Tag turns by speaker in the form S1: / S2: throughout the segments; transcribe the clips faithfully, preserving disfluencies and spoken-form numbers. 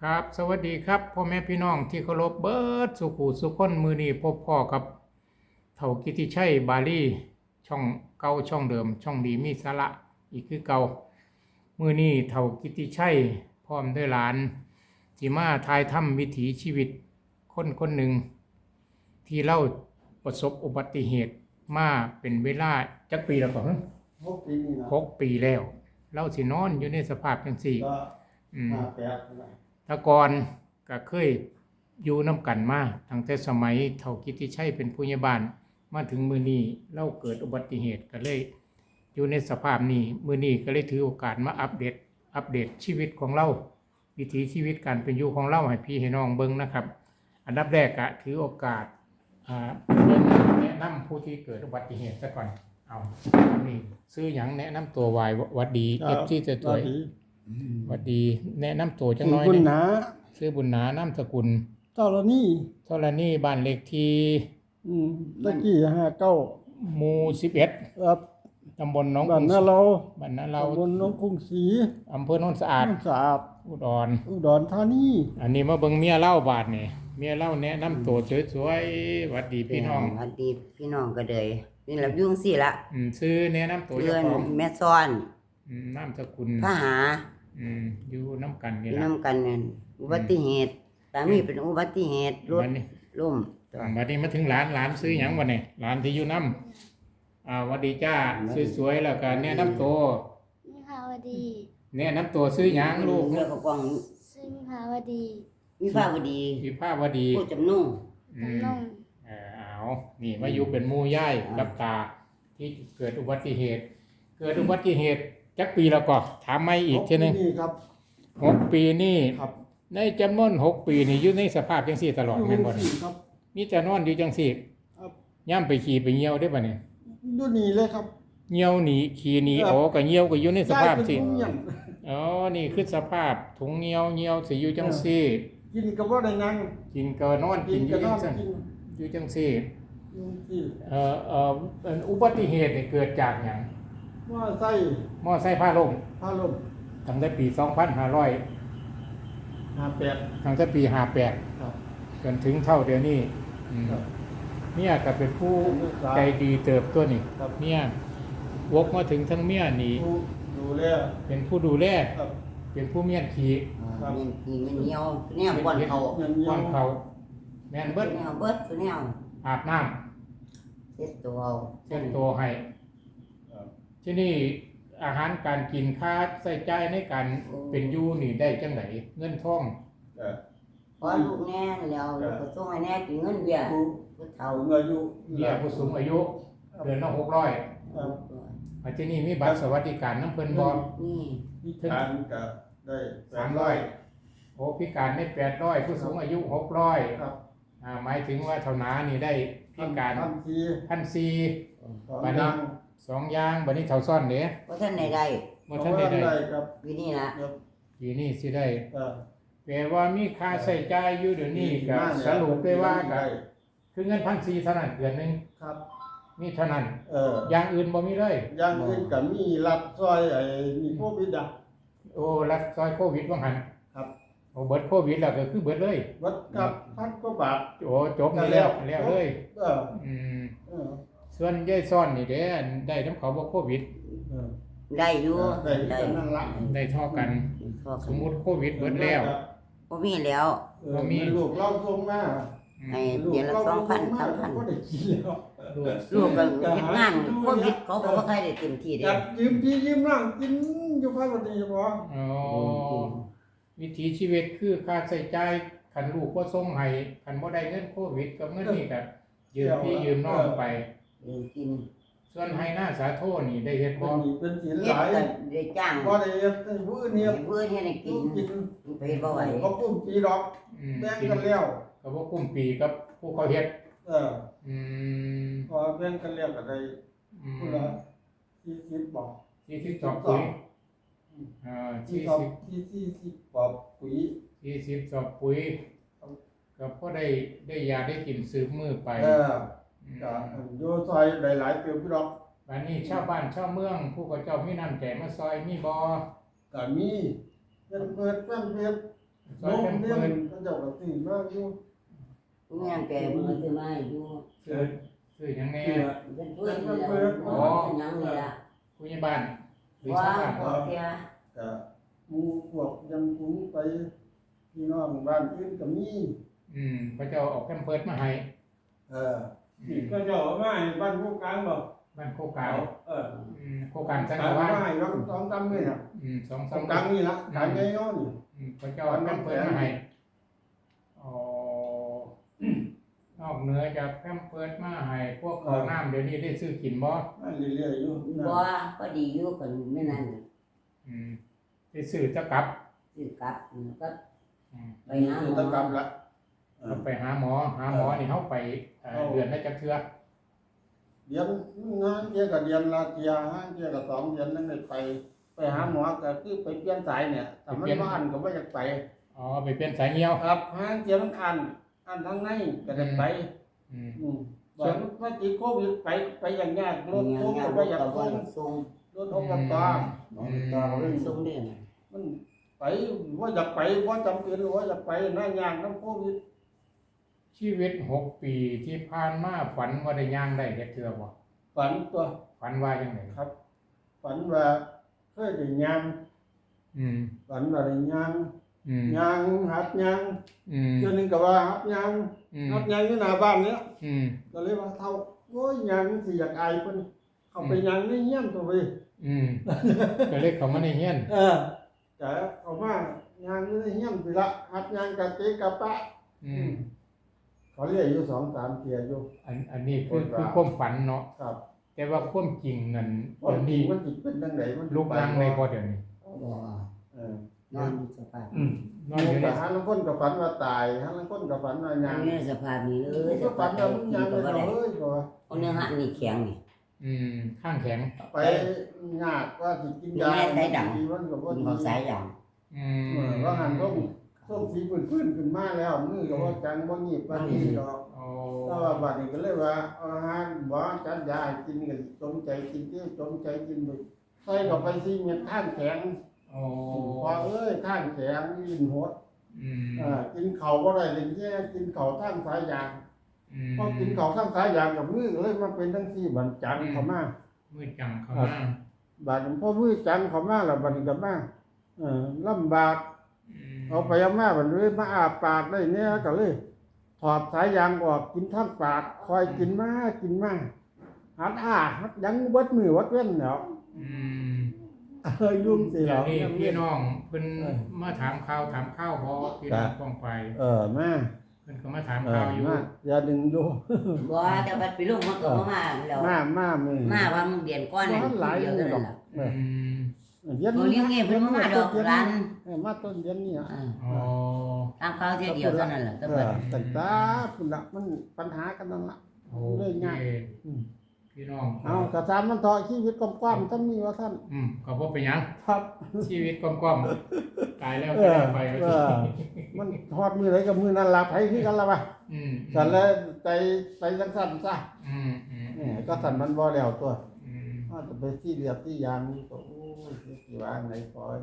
S1: ครับสวัสดีครับพ่อแม่พี่น้องที่เคารพเบิดสุขุสุขคนมือนี้พบพ่อกับเฒ่ากิติชัยบาลีช่องเก่าช่องเดิมช่องดีมีสาระอีกคือเก่ามือนี้เฒ่ากิติชัยพร้อมด้วยหลานที่มาทายถ้ำวิถีชีวิตคนคนหนึ่งที่เล่าประสบอุบัติเหตุมาเป็นเวลาจักปีแล้วก็ฮะ
S2: หกปีนี่นะ
S1: หกปีแล้วเล่าสินอนอยู่ในสภาพจังสี่
S2: ก็
S1: อืม
S2: ห้าแปดนะ
S1: แตะกอนก็เคยอยู่น้ำกันมาตั้งแต่สมัยเฒ่ากิติชัยเป็นผู้ใหญ่บ้านมาถึงมือนี้เล่าเกิดอุบัติเหตุก็เลยอยู่ในสภาพนี้มือนี้ก็เลยถือโอกาสมาอัปเดตอัปเดตชีวิตของเราวิถีชีวิตการเป็นอยู่ของเราให้พี่ให้น้องเบิ่งนะครับ อันดับแรกก็ถือโอกาสอ่าแนะนำผู้ที่เกิดอุบัติเหตุซะก่อนเอานี่ซื้อหยังแนะนำตัววายวัดดีเอฟซีจะสวยๆวัดดีแนะนำตัวจังน้อย
S2: คุณ
S1: เนี่ย
S2: นะ
S1: ชื่อบุญหนานามสกุล
S2: เจ้าละนี่
S1: เท่าไรนี่บ้านเลขที่
S2: อืมตะกี้ห้าเก้า
S1: หมู่สิบเอ็ด
S2: ครับ
S1: ตำบลหนอง
S2: บ้าน
S1: กรุง
S2: นาเรา
S1: บ้านนาเรา
S2: ตำบลหน้องกรุงศรี
S1: อำเภอโนนสะอาด
S2: น้ำสะอาด
S1: อุดร
S2: อุดรธานี
S1: อันนี้มาเบิ่งเมียเล่าบาทนี่เมียเล่าแนะนำตัวสวยๆหวัดดีพี่น้อง
S3: สวัสดีพี่น้องก็เลยนี่แหละยุ่งสิละ
S1: อืมซื้อแนะนำตัว
S3: เพื่
S1: เจ้า
S3: อน
S1: ของ
S3: แม่ซ้อน
S1: อืมนามสกุล
S3: พระหา
S1: อืมอยู่น้ำกันนี่
S3: อยู่
S1: ล่ะ
S3: นำกันนั่นอุบัติเหตุสามีเป็นอุบัติเหตุรถ
S1: บัดนี้
S3: ล้ม
S1: บัดนี้มาถึงหลานหลานซื้อหยังบ่เนี่ยหลานที่อยู่น้ำอ่าหวัดดีจ้าสวยๆแล้วก็แนะนำตัว
S4: มิภาวดี
S1: แนะนำตัวซื้อหยังลูก
S3: เรื่องกอง
S4: ซึ่งมิภาวดี
S3: วิภาวดี
S1: วิภาวดี
S3: ผู้จำนุ่ง
S1: อืม
S4: จำนง
S1: เออเอานี่มาอยู่เป็นหมู่ย่ายกับตาที่เกิดอุบัติเหตุ เกิดอุบัติเหตุจักปีแล้วก็ถามไม่อีกทีหนึง
S2: นี่ครับ
S1: หกปีนี่
S2: ครับ
S1: ในจำนวนหกปีนี่อยู่ในสภาพจังสี่ตลอด
S2: อยู่
S1: แม่นบ่
S2: สี่ครับ
S1: มีแต่นอนอยู่จังสี่
S2: ครับ
S1: ย่ำไปขี่ไปเหี่ยวได้ป่ะเนี่ย
S2: อยู่นี่เลยครับ
S1: เหี่ยวหนีขี่หนี
S2: ครับ
S1: โอ้ก็เหี่ยวก็อยู่ในสภาพ
S2: ได้
S1: สิ
S2: เป็นทุกอย่าง
S1: อ๋อนี่คือสภาพถุงเหี่ยวเหี่ยวสิอยู่จังสี่
S2: กินก็บ่ได้นั่ง
S1: กินก็นอน
S2: กิ
S1: กิ
S2: น
S1: นอ
S2: ก็
S1: ยู่
S2: น
S1: จั
S2: อง น
S1: ซี่
S2: กิน
S1: อยู่จังสี่
S2: อยู่ที่
S1: เอ่อเอ่อเป็นอุบัติเหตุนี่เกิดจากหยัง
S2: ว่าไส้
S1: มอไซค์พาล่ม
S2: พาลม
S1: ตั้งแต่ปีสองพันห้าร้อย
S2: ห้าแปด
S1: ตั้งแต่ปีห้าแปด
S2: ครับ
S1: จนถึงเท่าเดี๋ยวนี้อืม
S2: ครับ
S1: เมียก็เป็นผู้
S2: ครับ
S1: ใจดีเติบตัวนี่
S2: ครับ
S1: เมียวกมาถึงทั้งเมียนี่
S2: ดูดูแล
S1: เป็นผู้ดูแล
S2: ครับ
S1: เป็นผู้เมียนขี่
S2: ครับ
S3: เงินกินเงินเหนียวเนี่ยบ่อนเขา
S2: เงินเยีย
S1: ก้อ
S2: วน
S1: เขาแม่นเบิด
S3: แนวเบิดตัวแนว
S1: อาบน้
S3: เช็ดตัวเอา
S1: ำเช็ดตัวให้
S2: ครับ
S1: ที่นี่อาหารการกินค่าใส่ใจายในการเป็นอยู่นี่ได้จังไหนเงินทอง
S2: เอ่อ
S3: พอลูกแน่แล้วลูกก็ส่งให้แน่กินเงินเบี้ย
S2: ผู้
S3: ผู้
S2: เอา
S3: เฒ่า
S2: เงินอยู่
S1: เบี้ยผู้สูงอายุเดือนละหกร้อย
S2: ครับ
S1: อาที่นี่มีบัตรสวัสดิการน้ำเพิ่นบ่
S3: นี่
S2: พิการก็ได้
S1: สามร้อยโอ้พิการได้แปดร้อยผู้สูงอายุหกร้อย
S2: ครับ
S1: อ่าหมายถึงว่าเท่านานี่ได้พิการ
S2: ทันที
S1: พันสี่
S2: สอง
S1: บัด
S2: อ
S1: นี้
S2: ย่าง
S1: สองอย่างบัดนี้เท่าซ่อนเด้
S3: เพราะท่านใด
S1: บ่ทันได้ได้
S2: ได้ครับ
S3: ๆปีนี้ละ
S2: ครับ
S1: ปีนี้สิได้
S2: เอ่อ
S1: แปลว่ามีค่าใช้จ่ายอยู่เดี๋ยวนี้ก็สรุปได้ว่าก็คือเงินพันสี่เท่านั้นเดือนหนึง
S2: ครับ
S1: มีเท่านั้น
S2: เออ
S1: อย่างอื่นบ่มีเลย
S2: อย่างอื่นก็มีรัดซอยไอ้มีโควิดอ่ะ
S1: โอ้รัฐซอยโควิดว่าหัน
S2: ครับ
S1: โอ้เบิดโควิดแล้วก็คือเบิดเลย
S2: วัดกับพันกว่าบาท
S1: โอ้จบนี่แล้วแล้วเลย
S2: เออ
S1: อืม
S2: เออ
S1: ส่วนยายซ่อนนี่เด้ได้น้ำเขาบ่โควิด
S2: เออ
S3: ได้อยู่
S2: ได้กันนั่นละ
S1: ได้เท่ากัน
S3: พอ
S1: ส
S3: กั
S1: ม
S3: น
S1: มุติโควิดเบิดแล้ว
S3: บ่มีแล้ว
S2: เออมีลูกเราส่งมา
S1: อืม
S3: ให้เดือนละสองพันสามพัน
S2: ก็ได้กินแล้ว
S1: ลูก
S3: ลูกก็เฮ็ดงานโควิดเขาก็บ่ค่อยได้เต็มที่เด้
S2: จัดยืมพี่ยืมร่างกินอยู่ภายในนี้บ่
S1: อ๋อวิถีชีวิตคือค่าใช้จ่ายคันลูกบ่ส่งให้คันบ่ได้เงินโควิดกับเงินนี่ก็ยืมพี่ยืมน้องไป
S3: เดินกิน
S1: ส่วนให้หน้าสาโทนี่ได้เฮ็ด
S2: บ่
S1: บ่
S2: มีเป็นศีล
S3: เฮ็
S2: ห
S3: ด
S2: ลาย
S3: ก็ได้จ้าง
S2: บ่ได้เฮ็ดให้ผู้อื่นเฮ็ด
S3: ให้เพื่อนเฮ็ดให้กิน
S2: กิน
S3: ไปเฮ็ดบ่ไหว
S2: บ่กุ้มปีดอก
S1: อืม
S2: แบ่ง
S1: กิน
S2: กันแล้ว
S1: ก็บ่คุ้มปีกับผู้เขาเฮ็ด
S2: เออ
S1: อืม
S2: พอแบ่งกันแล้วก็ได้
S1: อืม
S2: ผู้ละสี่สิบบอก
S1: สี่สิบสองปุ๋ยอ่า
S2: ที่
S1: สี่
S2: สอบ
S1: สิบ
S2: ที่สี่สิบบอกปุ๋ย
S1: สี่สิบสองปุ๋ยก็พอได้ได้ยาได้กินซื้อมือไป
S2: เออ
S1: อืม
S2: ก็อยู่ซอยหลายๆเกือบดอก
S1: บัดนี้ชาวบ้านชาวเมือง ผู้เขาเจ้ามีน้ำใจมาซอยมีบ่
S2: ก็มีเพิ่นเปิดเพิ่นเปิด
S1: ซอย
S2: ล
S1: แค
S2: ม
S1: ม
S2: เลี้ย
S1: เพิร์
S2: ง
S1: ส
S2: ก็เจ้าก็ซื้อมาอยู่
S3: ผู้งานแก่มือซื้อมาให้อยู่
S1: ซื้อซื้อหยังแน่
S3: เป็นเพื่อนนี่แหละอ๋อเป็นหยังนี่ล่ะ
S1: ผู้ใหญ่บ้านหรือ
S3: ว่า
S1: ชาวบ้าน
S3: พอเที่ย
S2: ก็หมู่พวกยังกุงไปพี่น้องบ้านอื่นก็มี
S1: อืมเขาเจ้าเอาแคมเพิร์สมาให้
S2: เออนี่ก็เจ้าเอามาให้บ้านผู้กลางบ่
S1: บ้านโคกาว
S2: เออ
S1: อืมโคกามสัง
S2: กลาง
S1: กะวา
S2: มาให้ลองสองตำนี่น่ะ
S1: อืมสอง
S2: ส
S1: สา
S2: อ
S1: ม
S2: งกลางนี่ล่ะกลางใหญ่เนาะนี่
S1: อืมเขาเจ้าเอาแคมเพิร์สมาให้อ๋อนอกเหนือจากแคมเพิร์สมาให้พวกข้าวน้ำเดี๋ยวนี้ได้ซื้อกินบ่
S2: มาเรื่อยๆอยู่
S3: บ่ก็ดีอยู่กันไม่นั่น
S1: อืมได้ซื้อจะกลับ
S3: สิกลับก็
S1: อืม
S3: ไปหาหม
S2: คือ
S3: อ
S2: ตะกรรมละเอ
S1: เรา
S2: อ
S1: ไปหาหมอหาหมอนี่เฮาไปเอ่อเดือนละจักเทื่อ
S2: เดือนงานเกี่ยวกับเดือนละเทียห้างเกี่ยวกับสองเดือนนั่นได้ไป ไปหาหมอก็คือไปเปลี่ยนสายเนี่ยแต่มันบ่อันก็บ่อยากไป
S1: อ๋อไปเป็นสายเหี่ยว
S2: ครับห้างเกี่ยวมันอันอันทางในก็ได้ไป
S1: อืม
S2: อืมบ่ว่าติดโควิดไปไปอย่างยากรถ
S3: มี
S2: ทุก
S3: งา
S2: ก็
S3: น
S2: บ่อยาก
S3: ก็
S2: ส่
S3: บ่
S2: ง
S3: ส่ง
S2: รถอบต
S3: น้องตาเล่นส่งเด้น่ะ
S2: มันไปว่าอยากไปว่าจำเป็นว่าอยากไปหน้ายางน้ำโควิด
S1: ชีวิตหกปีที่ผ่านมาฝันว่าได้ย่างได้เฮ็ดเทื่อบ่
S2: ฝันตัว
S1: ฝันว่าจังได๋
S2: ครับ ฝันว่าเคยได้ยาง
S1: อืม
S2: ฝันว่าได้ยาง
S1: อืม
S2: ยางหัดยาง
S1: อืม
S2: เจ้าหนึงก็ว่าหัดยาง
S1: อืม
S2: หัดยางอยู่หน้าบ้านเนี้ย
S1: อืม
S2: ก็เลยว่าเท่าโอ้ยยางสิอยากอายเพิ่นเข้าไปยางในเฮียนตัวไป
S1: อืมก็เลยเข้ามาในเฮียน
S2: เออแต่เอามายางอยู่ในเฮียนไปละหัดยางกะเตะกะปะ
S1: อืม
S2: เขาเรียกอยู่สองสามเที่ยอยู่
S1: อันอันนี้คือคือความฝันเนาะ
S2: ครับ
S1: แต่ว่าความจริงนั่น
S2: ว่า
S1: เดี๋ยว
S2: จริ
S1: นี้
S2: งมันสิเป็นจังไดมัน
S1: ลูกนั่งในบ่เดี๋ยวนี้
S3: บ่
S2: เออน
S3: อนอยู่สภาพ
S1: นอนอยู่ใน
S2: แต่หาลังคนก็ฝันว่าตายหาลังคนก็ฝันว่ายาง
S3: อยู่ในสภาพนี้เลยส
S2: ก็
S3: ภา
S2: ฝั
S3: พ
S2: น
S3: ที่
S2: ว่ามันยาง
S3: ก็
S2: เลย
S3: บ่ได้
S2: เอ้ยบ่ว่า
S3: เอาเนื้อหันนี่แข็งนี่
S1: อืมข้างแข็ง
S2: ไปยากว่าสิกินยา
S3: แม่สายดำ
S2: ดีมันก็บ่
S3: กิน
S2: ดี
S3: ข้าวสายอย่าง
S1: อื
S2: เอ
S1: ม
S2: อว่าหันต้องส้มสีพื้นๆขึ้นมาแล้วมือก็บ่จังบ่หยิบบ่นี่ดอก
S1: โอ้
S2: แต่ว่าบัดนี้ก็เลยว่าเอาอาหารบ่จัดยาให้กินก็จงใจกินเที่ยวจงใจกินไปใส่เข้าไปสิเม็ดข้างแข็ง
S1: โอ้
S2: พอเอ้ยข้างแข็งลิ้นหด
S1: อืม
S2: อ่ากินข้าวบ่ได้เลยแย่กินข้าวทางสายยาง
S1: อืม
S2: พอกินข้าวทางสายยางกับมือก็เลยมาเป็นจังซี่บัดจังเข้ามา
S1: มืดจังเข้ามา
S2: บัดนี้พอมือจังเข้ามาแล้วบัดนี้ก็มาเออลำบาก
S1: อืม
S2: เอาไปเอามาบัดนี้มาอาปากได้เนี่ยก็เลยถอดสายยางออกกินทางปากคอยกินมากินมาหัดอ้าหัดยังเบิดมือวัดเว้นแล้ว
S1: อืม
S2: เออยุ่งสิ
S1: เดี๋
S2: แล้
S1: ยว
S2: ว
S1: นี้พี่น้องเพิ่นมาถามข่าวถามข้าวพอพี่น้องป้องไป
S2: เออมา
S1: เพิ่นก็มาถาม
S2: เออ
S1: ข่าวอยู่
S2: มาอย่าดึงอยู่
S3: บ่แต่ว่าไปลงมันก็บ่มาแล้ว
S2: มามามือ
S3: มาว่ามึงเดือนก่อนนั่น
S2: หลาย
S3: เดียว
S2: มื
S3: เท่า
S2: อด
S3: นั้
S2: อน ก
S3: ล่ะ
S1: อืม
S2: เดือน
S3: บ่เลี้ยงเงี้ยเพิ่นบ่มาดอกร้าน
S2: เออมาต้นเดือนนี้อ่ะ
S3: อ่า
S1: อ๋อ
S3: ตามข่าวเที่ยวเดียวเท่านั้นล่ะแต่
S2: เอ
S3: ว่า
S2: อแต่ตาพุ่นละมันปัญหากันนั่นละ
S1: โอ
S2: เลย
S1: เค
S2: ง่ายอืม
S1: พี่น้อง
S2: เอากระซามมันเถาะชีวิตกว้างๆท่านมีว่าท่าน
S1: อืมก็บ่เป็นหยัง
S2: ครับ
S1: ชีวิตกว้างๆตายแล้ว
S2: เอ
S1: ก็
S2: อ
S1: ได้ไปว่า
S2: เอ
S1: สิ
S2: อมันทอดมือไหนกับมือนั่นละไผคือกันละวะ
S1: อืม
S2: สั่นแล้วใจใจจังสั่นซะ
S1: อืมอืม
S2: นี่ก็สั่นมันบ่แล้วตัว
S1: อืม
S2: อาจจะไปที่เรียบที่ยางนี่ก็โอ้ยสิวางไหนปล่อย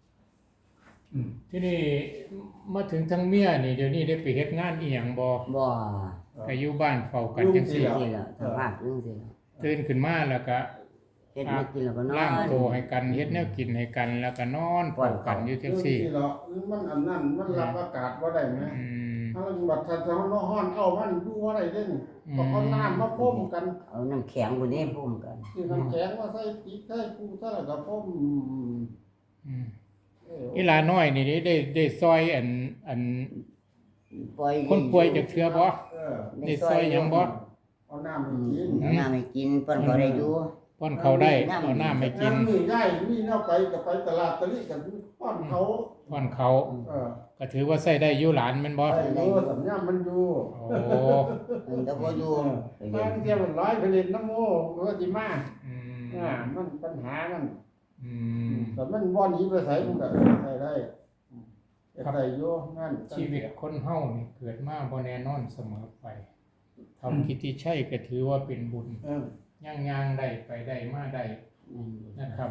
S1: ที่นี่มาถึงทางเมียนี่เดี๋ยวนี้ได้ไปเฮ็ดงานอีหยังบ่
S3: บ่
S1: ก็อยู่บ้านเฝ้ากันจังซี่
S3: สิล่ะสภาพจังซี่ล่ะ
S1: ตื่นขึ้นมาแล้วก็
S3: เฮ็ดมากินแล้วก็นอ
S1: ล้าง
S3: น
S1: โตวให้กันเฮ็ดแนวกินให้กันแล้วก็นอนเฝ้ากันอยู่จังซี่
S2: เรื่องที่เรามันอันนั้นมันรับอากาศบ่ได้ไหม
S1: อืม
S2: ถ้ามันบัดทันจะมันร้อนเอามันอยู่บ่ได้เด้นี่ต้องเอาน้ำมาพรมกัน
S3: เอาน้ำแข็งพุ่นนี่พุ่มกัน
S2: คือน้ำแข็งมาใส่ปีกใส่ปูใส่แล้วก็พรม
S1: อืม
S2: เออ
S1: อีหลาน้อยนี่ได้ได้ได้ซอยอันอัน
S3: ปล่อย
S1: คนป่วยจากเชื้อบ่
S2: เออ
S1: ได้ซอยหยังบ่
S2: เอาน้ำ
S3: อื
S2: ให้กิน
S3: มเอาน้ำให้กินเพิ่นก็ได้อยู่
S1: ป้อนเขาได้เอาน้ำให้กิน
S2: น้ำนี่ได้มีแนวไปก็ไปตลาดตะลิกันป้อนเขา
S1: ป้อนเขา
S2: เออ
S1: ก็ถือว่าใส่ได้อยู่หลานแม่นบ่
S2: ไอ้โอ้สัญญามันอยู่
S1: โอ้
S3: เพิ่นก็บ่อยู่ไปเรีย
S2: บาน งเที่ยมันร้อยผลิตน้ำโมก็สิมา
S1: อืม
S2: อ่ามันปัญหามัน
S1: อืม
S2: แต่มันบ่หนีไปไสมันก็ใช้ได้เฮ็ดได้อยู่งาน
S1: ชีวิตคนเฮานี่เกิดมาบ่แน่นอนเสมอไปทำกิตติชัยก็ถือว่าเป็นบุญ
S2: เออ
S1: ย่างๆได้ไปได้มาได้
S3: อืม
S1: นะครับ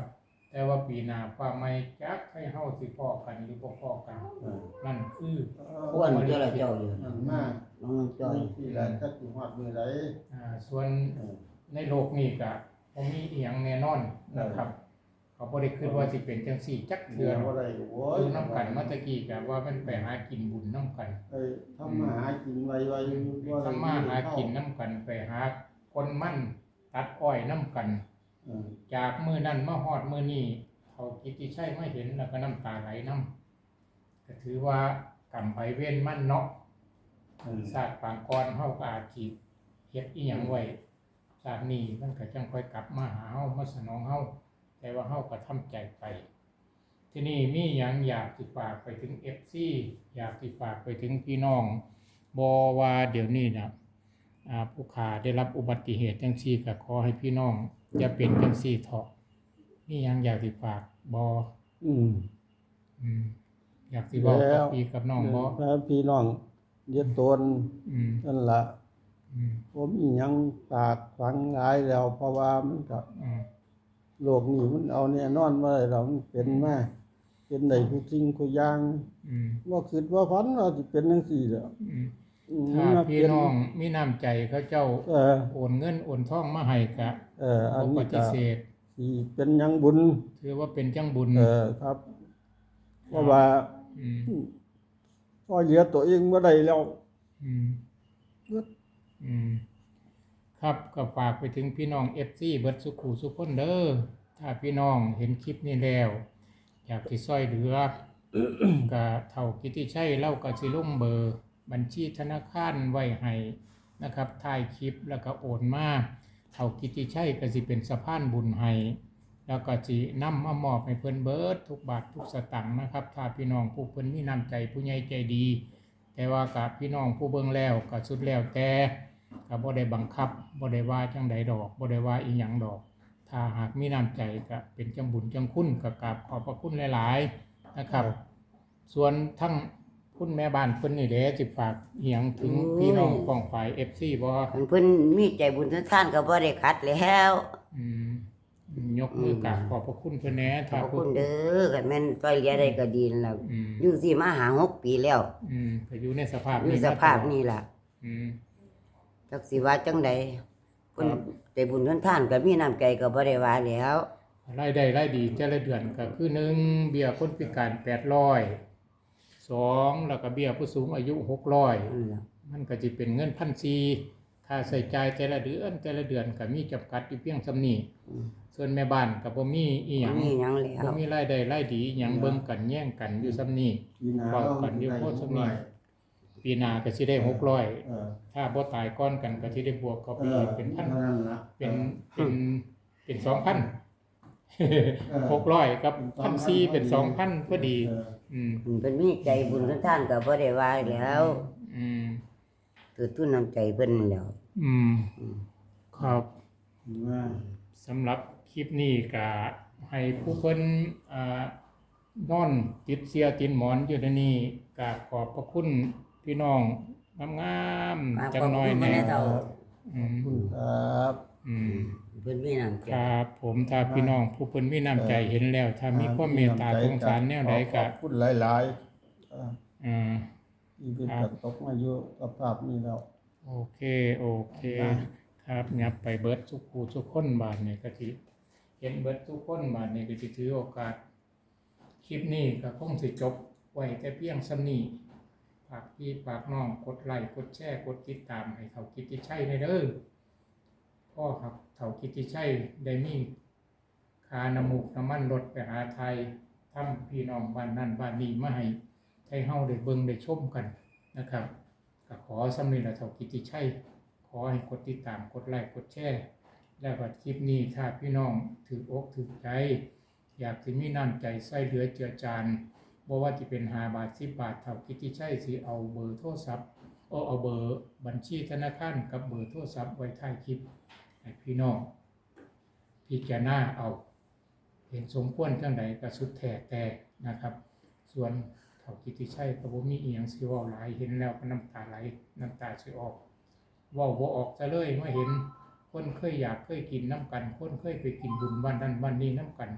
S1: แต่ว่าปีหน้าฟ้าใหม่จักให้เฮาสิพ้อกันหรือบ่พ้อกัน
S2: เออ
S1: นั่นคือ
S3: อ้วนเจ้าละเจ้าอยู่
S2: มันมาก
S3: น้องจ้อย
S2: ที่แรกจักสิฮอดมื้อใด
S1: อ่าส่วน
S2: เออ
S1: ในโลกนี้ก็บ่มีอีหยังแน่นอนนะครับ เขาบ่ได้คิดว่าสิเป็นจังซี่จัก
S2: เหลื
S1: เทื่อ
S2: อ
S1: หร
S2: บ่
S1: อก
S2: ได้โว้ย
S1: อยู่นํกันมาตะกี้ก็ว่ามันไปหากินบุญนํกัน
S2: เอ้ยทำมาหากินไวๆบ่ได้
S1: ทำมาหากินนํกันไปหาคนมั่นตัดอ้อยนํกัน
S2: เออ
S1: จากมื้อนั้นมาฮอดมื้อนี้เขากิตติชัยมาเห็นแล้วก็น้ำตาไหลนํก็ถือว่ากรรมไปเว้นมันเนาะ
S2: เออ
S1: ศาสตร์ปางกรเฮาก็อาจสิเฮ็ดอีหยังไว้ชาตินี้มันก็จังค่อยกลับมาหาเฮามาสนองเฮาแต่ว่าเฮาก็ทำใจไป ที่นี่มีหยังอยากสิฝากไปถึง เอฟ ซี อยากสิฝากไปถึงพี่น้องบ่ว่าเดี๋ยวนี้นะอ่าผู้ขาได้รับอุบัติเหตุจังซี่ก็ขอให้พี่น้องอย่าเป็นจังซี่เถาะมีหยังอยากสิฝากบ่
S2: อืม
S1: อืมอยากสิบอก
S2: แล้
S1: กับ
S2: ว
S1: พี่กับน้องบ่
S2: ถ้าพี่น้องเรียกตน
S1: อืม
S2: นั่นล่ะ
S1: อืม
S2: ผมอีหยังฝากฝังหลายแล้ว เพราะว่ามันก็
S1: อืม
S2: โลกนี้มันเอาแน่นอนบ่ได้ดอกมันเป็นมาเป็นได้ทุกสิ่งทุกอย่าง
S1: อืม
S2: บ่คิดว่าฝันว่าสิเป็นจังซี่ดอก
S1: อืม
S2: อืม
S1: ถ้า
S2: มา
S1: พี่
S2: เป็
S1: น้องมีน้ำใจเขาเจ้า
S2: เออ
S1: โอนเงินโอนทองมาให้ก็
S2: เอออั
S1: บ่
S2: น
S1: ป
S2: นี้
S1: ฏิ
S2: ก็
S1: เสธ
S2: สิเป็นหยังบุญ
S1: ถือว่าเป็นจังบุญ
S2: เออครับ เพราะว่า
S1: อืม
S2: พอเหลือตัวเองบ่ได้แล้ว
S1: อืม อืม ครับก็ฝากไปถึงพี่น้อง เอฟ ซี เบิดสุขุสุขคนเด้อถ้าพี่น้องเห็นคลิปนี้แล้ว อยากสิช่วยเหลือ ก็เท่ากิตติชัยเล่าก็สิลงเบอร์ บัญชีธนาคารไว้ให้นะครับถ่ายคลิปแล้วก็โอนมาเท่ากิตติชัยก็สิเป็นสะพานบุญให้แล้วก็สินำมามอบให้เพิ่นเบิดทุกบาททุกสตางค์นะครับ ถ้าพี่น้องผู้เพิ่นมีน้ำใจผู้ใหญ่ใจดี แต่ว่ากับพี่น้องผู้เบิ่งแล้วก็สุดแล้วแต่ก็บ่ได้บังคับบ่ได้ว่าจังใดดอกบ่ได้ว่าอีหยังดอก ถ้าหากมีน้ำใจก็เป็นจังบุญจังคุณก็กราบขอบพระคุณหลายๆนะครับ ส่วนทั้งคุณแม่บ้านเพิ่นนี่เด้สิฝากอีหยังถึงพี่น้องกองฝ่าย เอฟ ซี บ่
S3: คันเพิ่นมีใจบุญทุกท่านก็บ่ได้ขัดแล้ว
S1: อืมยกมือกราบขอบพระคุณเพิ่นแหน่
S3: ข
S1: ถ้า
S3: อบ
S1: ผู้
S3: คุณเด้อคันแม่นช่วยเหลือได้ก็ดีนั่นล่ะ
S1: อืม
S3: อยู่สิมาหาหกปีแล้ว
S1: อืมก็อยู่ในสภาพ
S3: อยู่สภาพนี้ล่ะ
S1: อืม
S3: จักสิว่าจังใดเพิ่นใจบุญทุกท่านก็มีน้ำใจก็บ่ได้ว่าแล้ว
S1: รายได้รายดีแต่ละเดือนก็คือหนึ่งเบี้ยคนพิการแปดร้อยสองแล้วก็เบี้ยผู้สูงอายุหกร้อย
S3: นั่นล่ะ
S1: มันก็จะเป็นเงินพันสี่ค่าใช้จ่ายแต่ละเดือนแต่ละเดือนก็มีจำกัดอยู่เพียงส่ำนี้ส่วนแม่บ้านก็บ่มีอีหยัง
S3: มีหยังแล้
S1: บ่
S3: ว
S1: มีรายได้รายดีหยังเบิ่งกันแย่งกันอยู่ส่ำนี้
S2: ปีหน้า
S1: เว้า
S2: เรา
S1: กันอยู่
S2: ได้
S1: โพด
S2: ห
S1: ส่ำ
S2: ก
S1: นี้
S2: ร้อย
S1: ปีหน้าก็สิได้หกร้อย
S2: เออ
S1: ถ้าบ่ตายก่อนกันก็สิได้บวกเข้าไป
S2: เออ
S1: อีกเป็นพัน
S2: ท่านั้นล่ะ
S1: เป็นเป็นเป็นสองพัน
S2: เออ
S1: หกร้อยกับพันสี่เป็นสองพันพอดี
S2: เออ
S1: อืม
S3: เพิ่นมีใจบุญทุกท่านก็บ่ได้ว่าแล้ว
S1: อืม
S3: คือทุนน้ำใจเพิ่นนั่นแหล้ว
S1: อืมครับ
S2: ว่า
S1: สำหรับคลิปนี้ก็ให้ผู้เพิ่นอ่านอนติดเสียติดหมอนอยู่ในนี้ก็ขอบพระคุณพี่น้องงามๆจังน้อยแหน่
S3: ขอบคุณแม่เฒ่า
S1: อืม
S2: ครับ
S1: อืม
S3: เพิ่นมีน้ำใจ
S1: ครับผมถ้าพี่น้องผู้เพิ่นมีน้ำใจเห็นแล้ว ถ้ามีความเมตตาสงสารแนวใดก็
S2: ขอบคุณหลายๆเออ
S1: อ่า
S2: ที่เป็นกระตกมาอยู่กับภาพนี้แล้ว
S1: โอเคโอเคครับยับไปเบิดทุกผู้ทุกคนบาดนี่ก็สิเห็นเบิดทุกคนบาดนี่ก็สิถือโอกาส คลิปนี้ก็คงสิจบไว้แต่เพียงส่ำนี้ฝากพี่ฝากน้องกดไลค์กดแชร์กดติดตามให้เขากิตติชัยในเด้อพ่อครับเขากิตติชัยได้มีคาน้ำมูกน้ำมันรถไปหาไทยทำพี่น้องบ้านนั่นบ้านนี้มาให้ให้เฮาได้เบิ่งได้ชมกันนะครับก็ขอสำนี้ละเขากิตติชัยขอให้กดติดตามกดไลค์กดแชร์แล้วก็คลิปนี้ถ้าพี่น้องถืออกถือใจ อยากสิมีน้ำใจใส่เหลือเจือจานบ่ว่าจะเป็นห้าบาทสิบบาทเท่ากิตติชัยสิเอาเบอร์โทรศัพท์เอาเอาเบอร์บัญชีธนาคารกับเบอร์โทรศัพท์ไว้ท้ายคลิปให้พี่น้องพิจารณาเอา เห็นสมควรจังใดก็สุดแท้แต่นะครับ ส่วนเท่ากิตติชัยก็บ่มีอีหยังสิเว้าหลายเห็นแล้วก็น้ำตาไหลน้ำตาสิออกเว้าบ่ออกซะเลยเมื่อเห็นคนเคยอยากเคยกินน้ำกันคนเคยไปกินบุญบ้านนั้นบ้านนี้น้ำกัน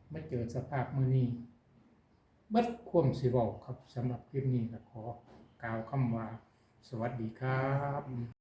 S1: มาเจอสภาพมื้อนี้เบิดความสิเว้าครับสำหรับคลิปนี้ก็ขอกล่าวคำว่า สวัสดีครับ